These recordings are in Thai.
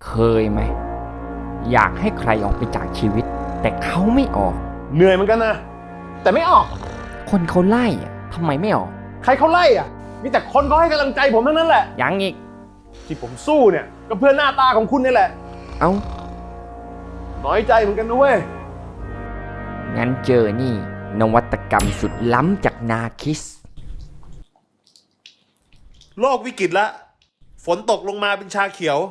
เคยไหมอยากให้ใครออกไปจากชีวิตแต่เขาไม่ออกเหนื่อยเหมือนกันนะแต่ไม่ออกคนเขาไล่อะทำไมไม่ออกใครเขาไล่อ่ะมีแต่คนเขาให้กำลังใจผมทั้งนั้นแหละยังอีกที่ผมสู้เนี่ยก็เพื่อหน้าตาของคุณนี่แหละเอ้าน้อยใจเหมือนกันนะเว้ยงั้นเจอนี่นวัตกรรมสุดล้ำจากนาคิสโลกวิกฤตละฝนตกลงมาเป็นชาเขียว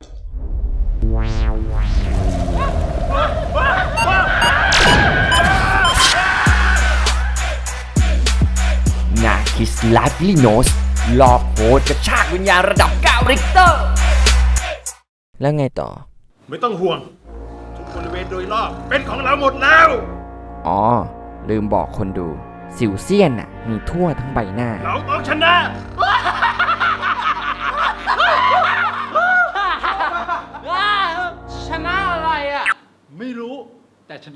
นาคิสไลฟ์ลิโนสหลอกโหดกระชากวิญญาณระดับ9ริกเตอร์ แล้วไงต่อไม่ต้องห่วง ทุกบริเวณโดยรอบเป็นของเราหมดแล้วอ๋อ ลืมบอกคนดู สิวเซียนน่ะ มีทั่วทั้งใบหน้าเราต้องชนะชนะอะไรอ่ะ ไม่รู้แต่ชนะ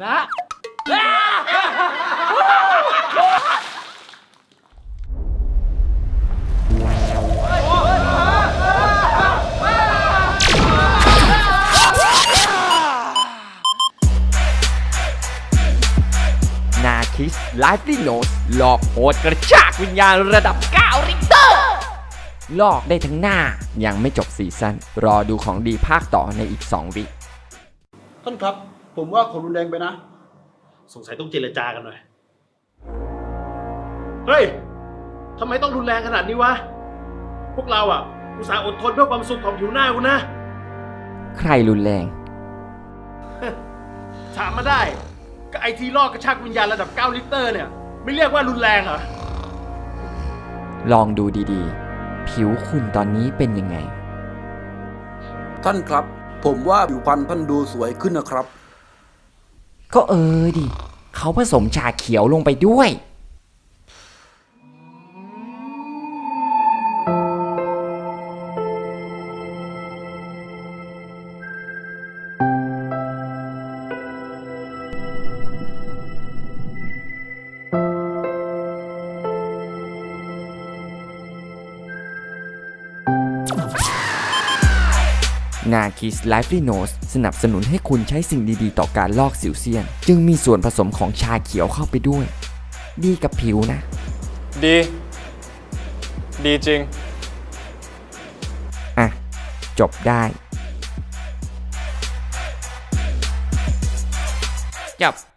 นาคิสไลฟ์ลิโนสหลอกโหดกระชากวิญญาณระดับ9ริกเตอร์หลอกได้ทั้งหน้ายังไม่จบซีซั่นรอดูของดีภาคต่อในอีก2 วิท่านครับ ผมว่าเขารุนแรงไปนะสงสัยต้องเจรจากันหน่อย เฮ้ย ทำไมต้องรุนแรงขนาดนี้วะ พวกเราอ่ะ อุตส่าห์อดทนเพื่อความสุขของผิวหน้าคุณนะใครรุนแรงถามมาได้ ก็ไอทีลอกกระชากวิญญาณระดับ9ลิตรเนี่ย ไม่เรียกว่ารุนแรงเหรอลองดูดีๆ ผิวคุณตอนนี้เป็นยังไงท่านครับ ผมว่าผิวพรรณท่านดูสวยขึ้นนะครับก็ดิ เขาผสมชาเขียวลงไปด้วย นาคิสไลฟ์ลิโนสสนับสนุนให้คุณใช้สิ่งดีๆต่อการลอกสิวเซียน จึงมีส่วนผสมของชาเขียวเข้าไปด้วย ดีกับผิวนะดี ดีจริงอ่ะ จบได้ จบ